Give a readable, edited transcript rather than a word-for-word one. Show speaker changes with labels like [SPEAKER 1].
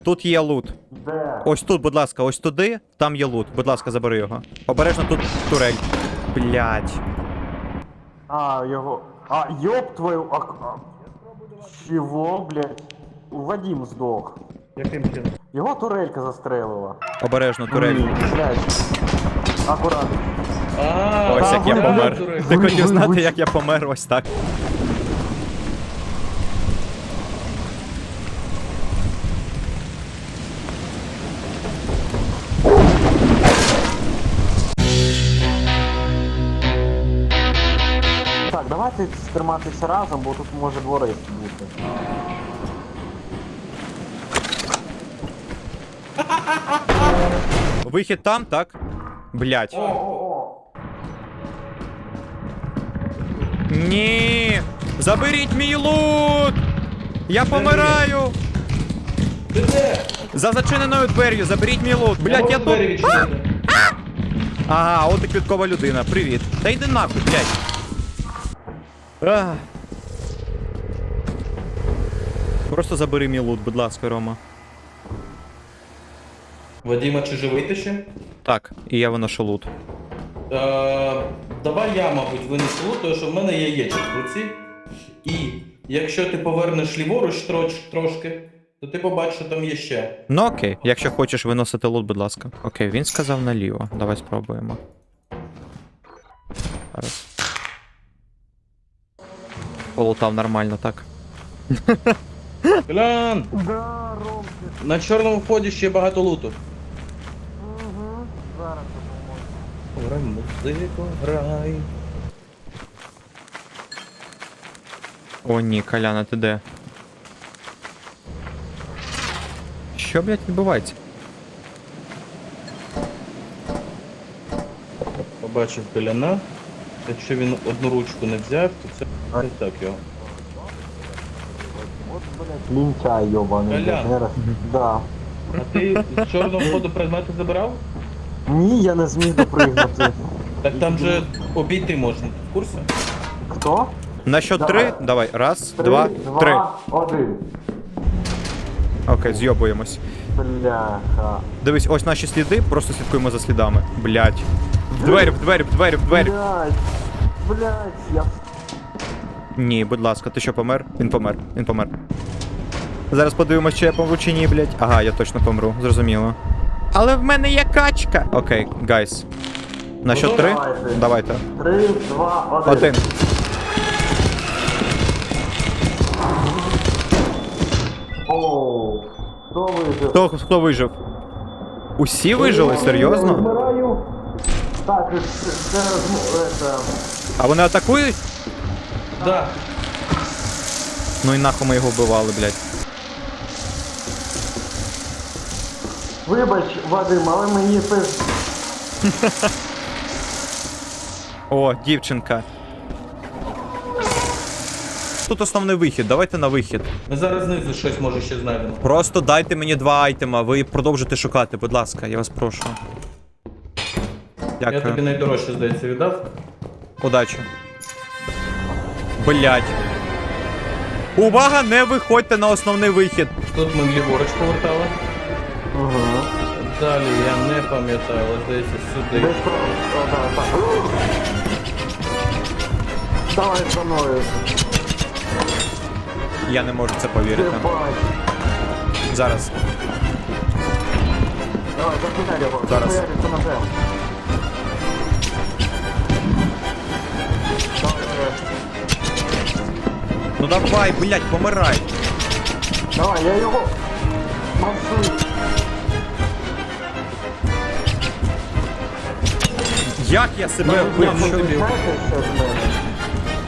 [SPEAKER 1] Тут є лут.
[SPEAKER 2] Де?
[SPEAKER 1] Ось тут, будь ласка, ось туди, там є лут. Будь ласка, забери його. Обережно тут турель. Блять.
[SPEAKER 2] А, його... А, ёб твою... Чего, блядь? Вадим здох.
[SPEAKER 3] Яким чином?
[SPEAKER 2] Його турелька застрелила.
[SPEAKER 1] Обережно турель.
[SPEAKER 2] Блядь. Акуратно.
[SPEAKER 1] Ось як я
[SPEAKER 2] ви-
[SPEAKER 1] помер.
[SPEAKER 3] турель.
[SPEAKER 1] Ти
[SPEAKER 2] ви-
[SPEAKER 1] хотів
[SPEAKER 2] ви-
[SPEAKER 1] знати,
[SPEAKER 2] ви-
[SPEAKER 1] як я помер, ось так.
[SPEAKER 2] Так, давайте триматися разом, бо тут може дворець бути.
[SPEAKER 1] Вихід там, так? Блять. Ні! Заберіть мій лут! Я помираю!
[SPEAKER 3] Ти де?
[SPEAKER 1] За зачиненою двер'ю, заберіть мій лут! Блять, я тут. Ага, от і квіткова людина. Привіт. Та йди нахуй, блять. Просто забери мій лут, будь ласка, Рома.
[SPEAKER 3] Вадима, чи живий ти ще?
[SPEAKER 1] Так, і я виношу лут.
[SPEAKER 3] Давай я, мабуть, винесу лут, тому що в мене є яєчок в руці. І якщо ти повернеш ліворуч трошки, то ти побачиш, що там є ще.
[SPEAKER 1] Ну окей, якщо хочеш виносити лут, будь ласка. Окей, він сказав наліво. Давай спробуємо. Зараз. Полутав нормально, так.
[SPEAKER 3] Глянь!
[SPEAKER 2] Да, Ромки.
[SPEAKER 3] На чорному вході ще багато луту.
[SPEAKER 2] Угу. Зараз допоможу.
[SPEAKER 3] Грай музику, грай.
[SPEAKER 1] О ні, Коляна, ти де? Що, блядь, відбувається?
[SPEAKER 3] Побачив Коляна. Якщо він одну ручку не взяв, то це не так його.
[SPEAKER 2] От, блядь, лінчай йобаний.
[SPEAKER 3] Колян.
[SPEAKER 2] блядь, не раз. Да.
[SPEAKER 3] А ти з чорного входу предмети забирав?
[SPEAKER 2] Ні, я не зміг допригнути.
[SPEAKER 3] Так там же обійти можна, ти в курсі?
[SPEAKER 2] Хто?
[SPEAKER 1] На що
[SPEAKER 2] Давай.
[SPEAKER 1] три? Давай. Раз, два, три.
[SPEAKER 2] 1.
[SPEAKER 1] Окей, зйобуємось.
[SPEAKER 2] Бляха.
[SPEAKER 1] Дивись, ось наші сліди, просто слідкуємо за слідами. Блять. В двері, в двері, в двері, в двері.
[SPEAKER 2] Блядь. Блядь, я...
[SPEAKER 1] Ні, будь ласка, ти що, помер? Він помер, він помер. Зараз подивимось, чи я помру чи ні, блять. Ага, я точно помру, зрозуміло. Але в мене є качка. Окей, гайс. На що три?
[SPEAKER 2] Давайте.
[SPEAKER 1] Давайте.
[SPEAKER 2] 3, 2, 1.
[SPEAKER 1] Один.
[SPEAKER 2] Оу. Хто вижив?
[SPEAKER 1] Хто вижив? Усі вижили? Серйозно?
[SPEAKER 2] Вмираю. Так, це...
[SPEAKER 1] А вони атакують?
[SPEAKER 3] Да.
[SPEAKER 1] Ну і нахуй ми його вбивали, блять.
[SPEAKER 2] Вибач, Вадим, але мені це...
[SPEAKER 1] О, дівчинка. Тут основний вихід, давайте на вихід.
[SPEAKER 3] Ми зараз знизу щось може ще знайдемо.
[SPEAKER 1] Просто дайте мені 2 айтема, ви продовжуйте шукати, будь ласка, я вас прошу.
[SPEAKER 3] Я тобі
[SPEAKER 1] Дякую.
[SPEAKER 3] найдорожче, здається, віддав.
[SPEAKER 1] Удачі. Блять. Увага, не виходьте на основний вихід.
[SPEAKER 3] Тут ми ліворуч повертали.
[SPEAKER 2] Угу.
[SPEAKER 3] Далі я не пам'ятаю, але здається сюди.
[SPEAKER 2] Десь про... О, да, так. Давай за мною.
[SPEAKER 1] Я не можу це повірити.
[SPEAKER 2] Єбать.
[SPEAKER 1] Зараз.
[SPEAKER 2] Давай, закидай його.
[SPEAKER 1] Зараз.
[SPEAKER 2] Захуяриться ножем.
[SPEAKER 1] Ну давай, блять, помирай.
[SPEAKER 2] Давай, я його... Мансую.
[SPEAKER 1] Як я себе вбив?
[SPEAKER 3] Ну,
[SPEAKER 1] Що-
[SPEAKER 3] тобі.
[SPEAKER 2] Знаєте, що з мене?